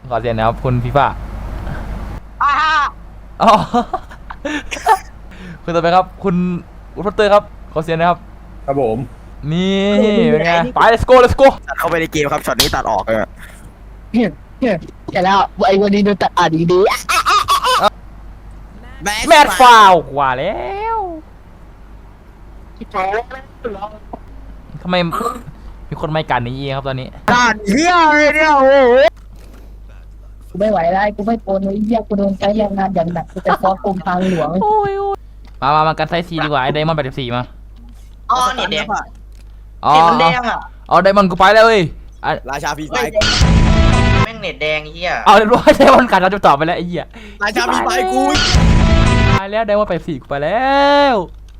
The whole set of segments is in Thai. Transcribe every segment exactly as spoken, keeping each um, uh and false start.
ขอเสียงนะครับคุณฟีฟ่าอ่าอ๋อคุณต่อไปครับคุณอุลตร้าเตอร์ครับขอเสียงนะครับครับผมนี่เป็นไงไป let's go let's go ตัดเข้าไปในเกมครับช็อตนี้ตัดออกเลยเฮ้ยเฮ้ยแต่แล้วไอ้วันนี้ดูตัดอ่านดีแมดฟาวกว่าแล้วทำไมมีคนไม่กันนี้ครับตอนนี้ด่านเฮียเลยเนี่ยโอ้โหกูไม่ไหวแล้วกูไม่โปนเลยเหี้ยกูโดนใช้แรงงานอย่างหนักกูจะฟ้องกรมทางหลวงมามามากันไซซีดีกว่าไอ้ไดมอนด์แปดสิบสี่มาอ๋อเนี่ยแดงอ่ะอ๋อเน็ตมันแดงอ่ะอ๋อไดมอนด์กูไปแล้วเว้ยราชาพีไฟแม่งเน็ตแดงเฮียเอาเรียบร้อยไดมอนด์กัดเราจะตอบไปแล้วไอ้เหี้ยราชาพีไฟกูตายแล้วไดมอนด์แปดสิบสี่กูไปแล้ว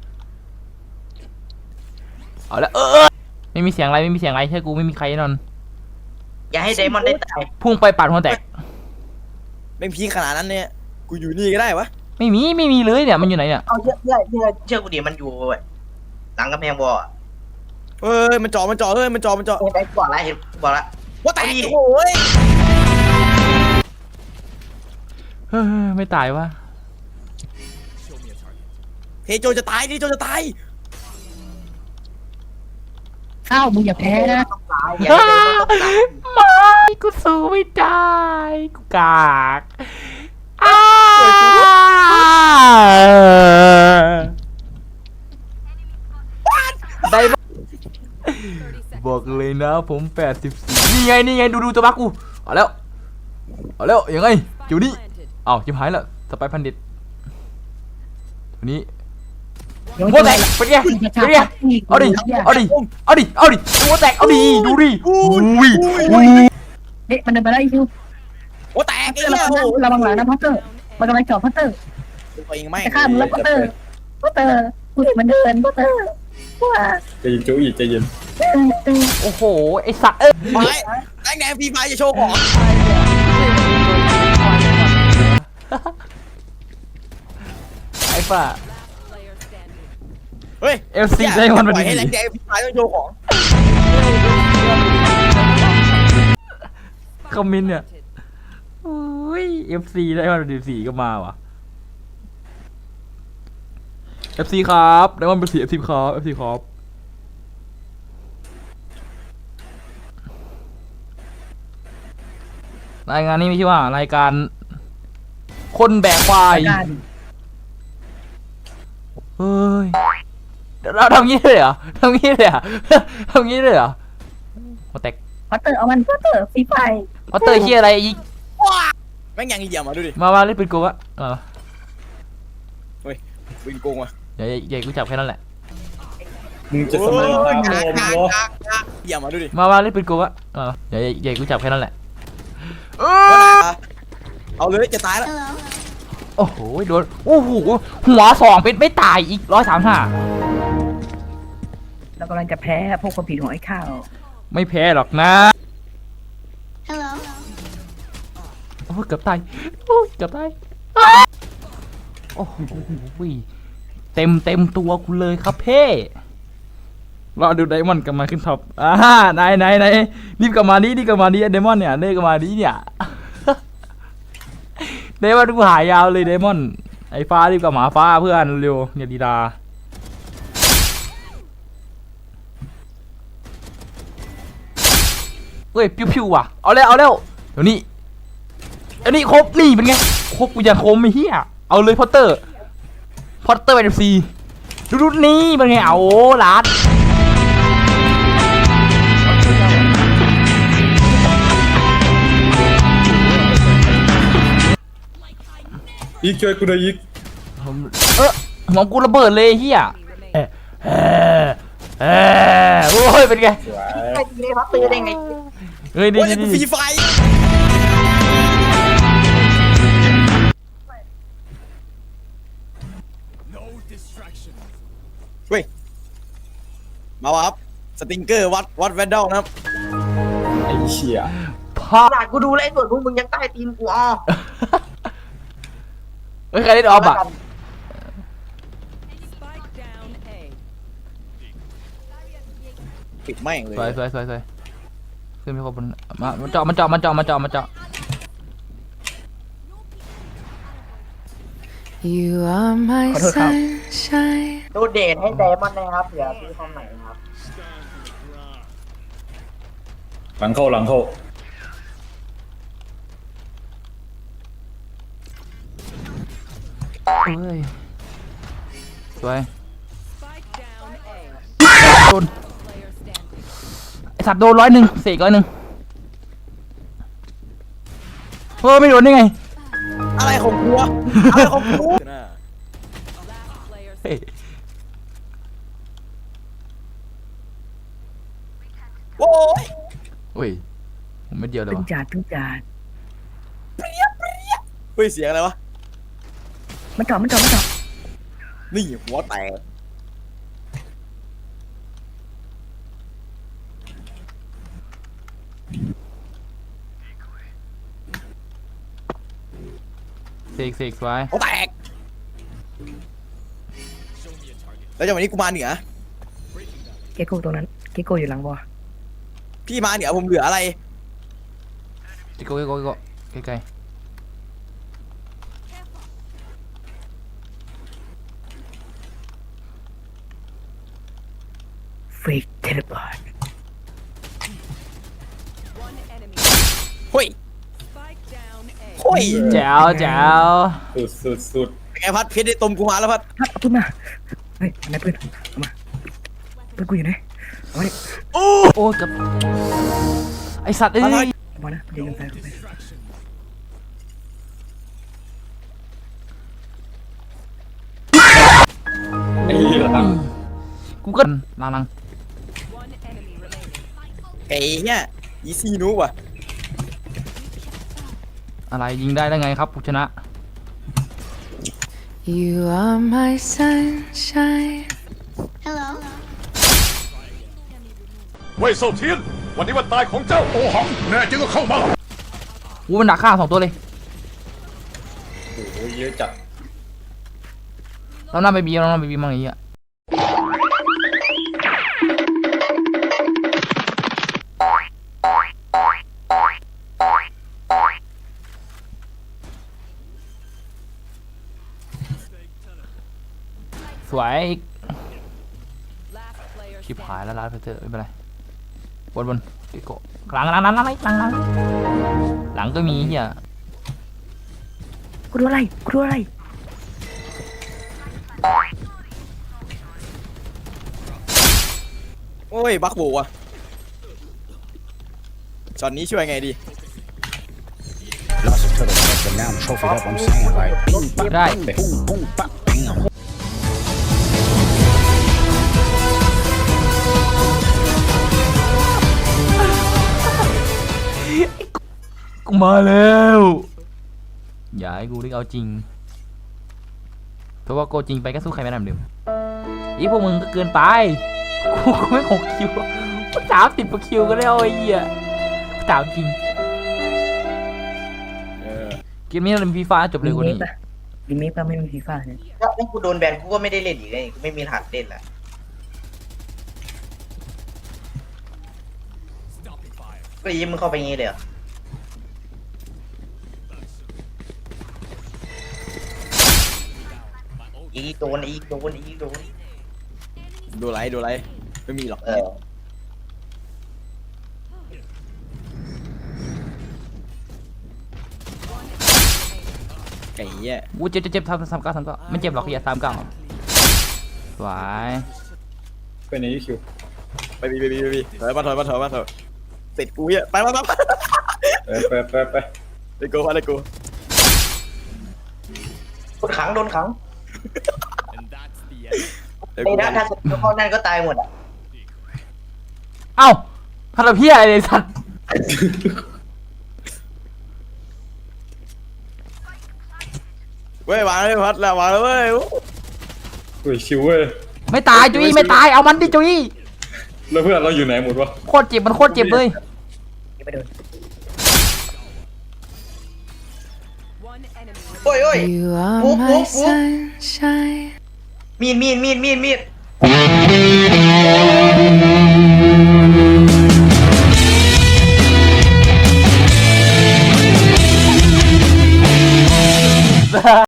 เอาแล้วเออไม่มีเสียงอะไรไม่มีเสียงอะไรใช่กูไม่มีใครนอนอย่าให้ไดมอนด์ได้ตายพุ่งไปปาดหัวแตกแม่งพีขนาดนั้นเนี่ยกูอยู่นี่ก็ได้วะไม่มีไม่มีเลยเนี่ยมันอยู่ไหนเนี่ยเอาเยอะเยอะเยอะเชื่อกูดิมันอยู่หลังกำแพงบ่อเฮ้ยมันจ่อมันจ่อเฮ้ยมันจ่อมันจ่อไอ้บอกแล้วเห็นบอกแล้วว่าตายโอ้ยเฮ้ยไม่ตายวะเฮโจจะตายเฮโจจะตายข้าวมึงอย่าแพ้นะไม่กูสู้ไม่ได้กูกากได้บอกเลยนะผมแปดสิบสี่นี่ไงนี่ไงดูดูตัวบักกูเอาแล้วเอาแล้วยังไงจิ๋วนี่อ้าวจิ๋วหายแล้วสไปพันดิตตัวนี้หัวแตกเป็นไงเป็นไงเอาดิเอาดิเอาดิเอาดิหัวแตกเอาดิดูดิอุ้ยอุ้ยเอ๊ะมันเดินไปได้คิวหัวแตกไอ้เหี้ยระวังหลังนะพัตเตอร์มันกำลังจ่อพัตเตอร์จะฆ่ามึงแล้วพัตเตอร์พัตเตอร์กูเห็นมันเดินพัตเตอร์ว้าใจเย็นจูอีใจเย็นโอ้โหไอสัตว์เอ้ยไปแดงแดงพีไฟจะโชว์ของไอ้ป่าเฮ้ยเอลซีได้มันไปให้แดงแดงพีไฟต้องโชว์ของคอมมินเนี่ยอุ้ยเอฟซีได้มันเป็นสีก็มาว่ะเอฟซีครับได้มันเป็นสีเอฟซีครับเอฟซีครับรายงานนี้มีชื่อว่ารายการคนแบกควายเฮ้ยเราทำงี้เลยเหรอทำงี้เลยเหรอทำงี้เลยเหรอมาแตกพัตเตอร์เอามันพัตเตอร์ฟีไฟพัตเตอร์เฮียอะไรอีกแม่งยังเหยี่ยมมาดูดิมามาเล่นปืนโกงอะมาเฮ้ยปืนโกงว่ะใหญ่ใหญ่กูจับแค่นั้นแหละมึงจะสมัยบ้างโง่เหยี่ยมมาดูดิมามาเล่นปืนโกงอะใหญ่ใหญ่กูจับแค่นั้นแหละเอาเลยจะตายแล้วโอ้โหโดนโอ้โหหัวสองเป็นไม่ตายอีกร้อยสามห้าเรากำลังจะแพ้พวกคนผิดหัวไอ้ข้าวไม่แพ้หรอกนะโอ้เกือบตายโอ้เกือบตายโอ้โหเต็มเต็มตัวกูเลยครับเพ่รอดูไดมอนด์กลับมาขึ้นท็อปอ่านายนายนายรีบกลับมาดิรีบกลับมาดิไดมอนด์เนี่ยเล่กลับมาดิเนี่ยไดมอนด์กูหายยาวเลยไดมอนด์ไอ้ฟ้ารีบกลับมาฟ้าเพื่อนเร็วเนี่ยดีดาเฮ้ยพิวๆว่ะเอาแล้วเอาแล้วเดี๋ยวนี้อันนี้ครบนี่เป็นไงครบกูยังคมไม่เฮียเอาเลยพอตเตอร์พอตเตอร์เอฟซีดูดูนี่เป็นไงเอาลัดอีกช่วยกูหน่อยอีกเออหมองกูระเบิดเลยเฮียเออเออเออโอ้ยเป็นไงไอ้นี่พัตเตอร์ได้ไงเฮ้ยดีดีดีฟีไฟเฮ้ยมาวับสติงเกอร์วัดวัดแวนดอลนะครับไอ้เชี่ยพาดกูดูแลส่วนพวกมึงยังใต้ตีนกูอ๋อเฮ้ยใครเล่นออฟอ่ะปิดแม่งเลยสวยสวยสวยสวยขึ้นไปขบวนมามันเจาะมันเจาะมันเจาะมันเจาะมันเจาะ You are my ขอโทษครับ sunshine. ดูเดทให้ไดมอนด์นะครับเผื่อพี่คนไหนครับหลังเข้าหลังเข้าเฮ้ยสวยโดนไอสัตว์โดนร้อยหนึ่งเสกร้อยหนึ่งเฮ้ยไม่โดนได้ไงอะไรของกูวะอะไรของกูเฮ้ยโอ้ยโอ้ยผมไม่เดียวเลยตึงวะจัดตึงจัดเฮ้ยเสียงอะไรวะมันจอดมันจอดมันจอดนี่หัวแตกเสกเสกสวยหัวแตกแล้วจังหวะนี้กูมาเหนือเกโก้ตรงนั้นเกโก้อยู่หลังบอพี่มาเหนือผมเหลืออะไรจิโก้จิโก้จิโก้ใกล้เฟกเทเลพอร์ตเฮ้ยเฮ้ยๆแจ๋วแจ๋วสุดสุดสุดเป็นไงพัดเพชรได้ตมกูมาแล้วพัดพัดเอาปืนมาเฮ้ยไหนปืนเอามาปืนกูอยู่ไหนเอามาดิโอ้โอ้กับไอสัตว์เอ้ยเอามานะเดี๋ยวยิงไปไปไอ้เหี้ยหลังกูก็ลังลังไอ้เนี่ยอีซี่นูว่ะอะไรยิงได้ได้ไงครับผู้ชนะ You are my sunshine. เว่ยเซาเทียน วันนี้วันตายของเจ้าโอหัง แน่จริงก็เข้ามาอู้มันดักฆ่าสองตัวเลยโอ้โหเยอะจัดเราหน้าไปบีเราหน้าไปบีมั่งอย่างเงี้ยสวยอีกชิบหายแล้วลาดไปเถอะไม่เป็นไรบนบนติโกะหลังหลังหลังหลังหลังหลังหลังหลังก็มีเฮียกูดูอะไรกูดูอะไรโอ้ยบักโบว่ะช็อตนี้ช่วยไงดี Lost it to the fuck, but now I'm trophied up. I'm saying like, boom, bop, ได้ boom, boom, bop, bam. กูมาแล้วอย่าให้กูได้เอาจริงเพราะว่าโกจริงไปก็สู้ใครไม่ได้เหมือนเดิมอีพวกมึงก็เกินไปกูกูไม่หกคิวกูสามสิบกว่าคิวก็แล้วไอ้เหี้ยสามจริงเกมนี้เราเป็นฟีฟ่าจบเร็วกว่านี้ดีเมคป่ะไม่มีฟีฟ่าเนี่ยถ้ากูโดนแบนกูก็ไม่ได้เล่นอีกเลยกูไม่มีรหัสเล่นละก็ยิ้มมึงเข้าไปงี้เลยเหรออีกโดนอีกโดนอีกโดนดูไรดูไรไม่มีหรอกเออไก่เหี้ยกูเจ็บเจ็บเจ็บทำทำเก้าทำเก้าไม่เจ็บหรอกเฮียสามเก้าสวยไปไหนคิวไปบีบีบีบีถอยมาถอยมาถอยมาถอยติดกูเหี้ยไปมาไปมาไปไปไปไปเลโก้มาเลโก้โดนขังโดนขังไอ้นะถ้าสกิลเข้านั่นก็ตายหมดอ่ะเอ้าทำเพี้ยอะไรสัตว์เว้ยวางเลยพัดแล้ววางแล้วเว้ยเฮ้ยชิวเว้ยไม่ตายจุ้ยไม่ตายเอามันดิจุ้ยแล้วเพื่อนเราอยู่ไหนหมดวะโคตรเจ็บมันโคตรเจ็บเลยยังไม่โดนโอ้ยโอ้ย You are Whoop, my whoop, whoop. sunshine. มีดมีดมีดมีดมีด